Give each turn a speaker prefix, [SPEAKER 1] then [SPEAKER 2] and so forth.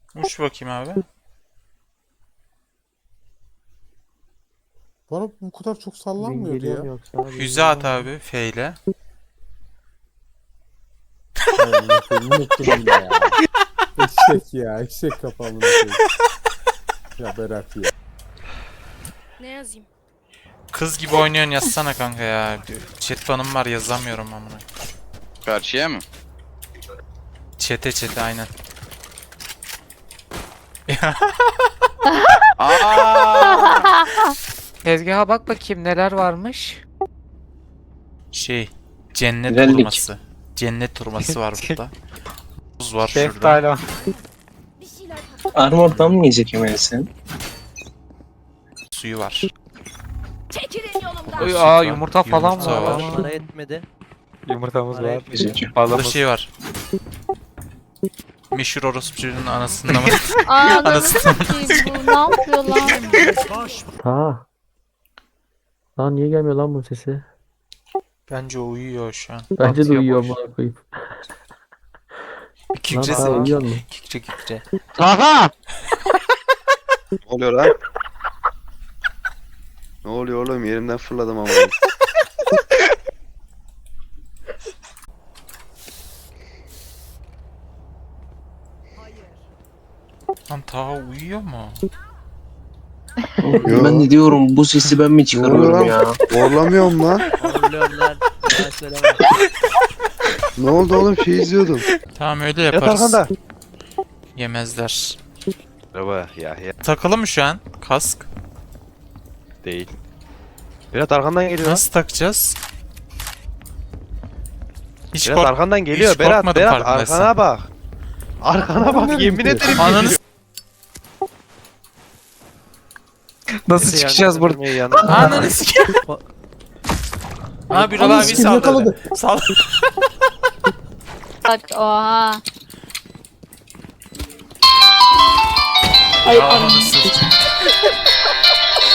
[SPEAKER 1] Uç bakayım abi.
[SPEAKER 2] Bana bu kadar çok
[SPEAKER 3] Bin
[SPEAKER 2] sallanmıyordu
[SPEAKER 3] geliyor
[SPEAKER 2] ya.
[SPEAKER 3] mu yoksa? Bin
[SPEAKER 1] Füze at
[SPEAKER 3] geliyor mu?
[SPEAKER 1] abi. F ile.
[SPEAKER 2] Hay amına koyayım unuttum yine ya. Eşek ya. Eşek kafamını koyayım. Ya Berat ya.
[SPEAKER 4] Ne yazayım?
[SPEAKER 1] Kız gibi oynuyorsun yazsana kanka ya. Chat banım var yazamıyorum amına.
[SPEAKER 5] Karşıya mı?
[SPEAKER 1] Çete aynen.
[SPEAKER 5] Aa!
[SPEAKER 6] Tezgaha bak bakayım neler varmış.
[SPEAKER 1] Şey. Cennet
[SPEAKER 3] Güzellik.
[SPEAKER 1] hurması. Cennet hurması var burada. Buz var şurada.
[SPEAKER 6] Şeftali var.
[SPEAKER 4] Bir şeyler
[SPEAKER 7] Armor'dan mı yiyecek Emel'sin?
[SPEAKER 1] Suyu var.
[SPEAKER 4] çekilin yolumdan.
[SPEAKER 6] Oy,
[SPEAKER 1] Süt
[SPEAKER 6] aa
[SPEAKER 1] var,
[SPEAKER 6] yumurta falan
[SPEAKER 1] yumurta
[SPEAKER 6] var.
[SPEAKER 1] var.
[SPEAKER 3] Para etmedi.
[SPEAKER 6] Yumurtamız
[SPEAKER 3] Para
[SPEAKER 6] var.
[SPEAKER 3] etmedi.
[SPEAKER 1] Burada
[SPEAKER 6] Balımız.
[SPEAKER 1] şey var. Meşhur orospucunun anasından mı?
[SPEAKER 8] Ananı
[SPEAKER 1] Anasını
[SPEAKER 8] satayım bu. Ne yapıyor lan?
[SPEAKER 3] Ha. Lan niye gelmiyor lan bu sesi?
[SPEAKER 1] Bence o uyuyor şu an.
[SPEAKER 3] Bence de
[SPEAKER 6] Atıyor
[SPEAKER 3] uyuyor
[SPEAKER 6] boş.
[SPEAKER 3] bana koyayım.
[SPEAKER 1] Bir
[SPEAKER 3] Lan
[SPEAKER 1] kükresin.
[SPEAKER 3] daha uyuyor mu?
[SPEAKER 1] Kükre.
[SPEAKER 6] Aha!
[SPEAKER 9] Ne oluyor lan? Ne oluyor oğlum? Yerimden fırladım ama.
[SPEAKER 1] Lan Taha uyuyor mu?
[SPEAKER 9] Yo.
[SPEAKER 7] Ben de diyorum bu sesi ben mi çıkarıyorum ya?
[SPEAKER 9] Zorlamıyorum lan.
[SPEAKER 3] Horluyorlar. Ya söyleme.
[SPEAKER 9] Ne oldu oğlum? Şey izliyordum.
[SPEAKER 1] Tamam öyle
[SPEAKER 9] Yat
[SPEAKER 1] yaparız.
[SPEAKER 9] arkanda.
[SPEAKER 1] Yemezler.
[SPEAKER 10] Merhaba ya
[SPEAKER 1] Takılı mı şu an? Kask.
[SPEAKER 10] değil. Berat arkandan geliyor.
[SPEAKER 1] Nasıl takacağız? Hiç
[SPEAKER 10] Berat arkandan geliyor.
[SPEAKER 1] hiç
[SPEAKER 10] Berat
[SPEAKER 1] korkmadım
[SPEAKER 10] Berat
[SPEAKER 1] farkındaysan.
[SPEAKER 10] arkana bak. Arkana bak yemin ederim.
[SPEAKER 1] Ananı
[SPEAKER 10] geliyor.
[SPEAKER 6] Nasıl
[SPEAKER 10] Neyse,
[SPEAKER 6] çıkacağız
[SPEAKER 10] yani
[SPEAKER 6] buradan?
[SPEAKER 10] yanına-
[SPEAKER 1] Ananı sikeyim. Aa bir
[SPEAKER 2] Ananı
[SPEAKER 1] abi
[SPEAKER 2] sikeyim,
[SPEAKER 1] saldırdı.
[SPEAKER 2] yakaladı.
[SPEAKER 1] Saldırdı.
[SPEAKER 8] Bak oha. Ay
[SPEAKER 1] Ya
[SPEAKER 8] ananı.
[SPEAKER 1] ananı sikeyim.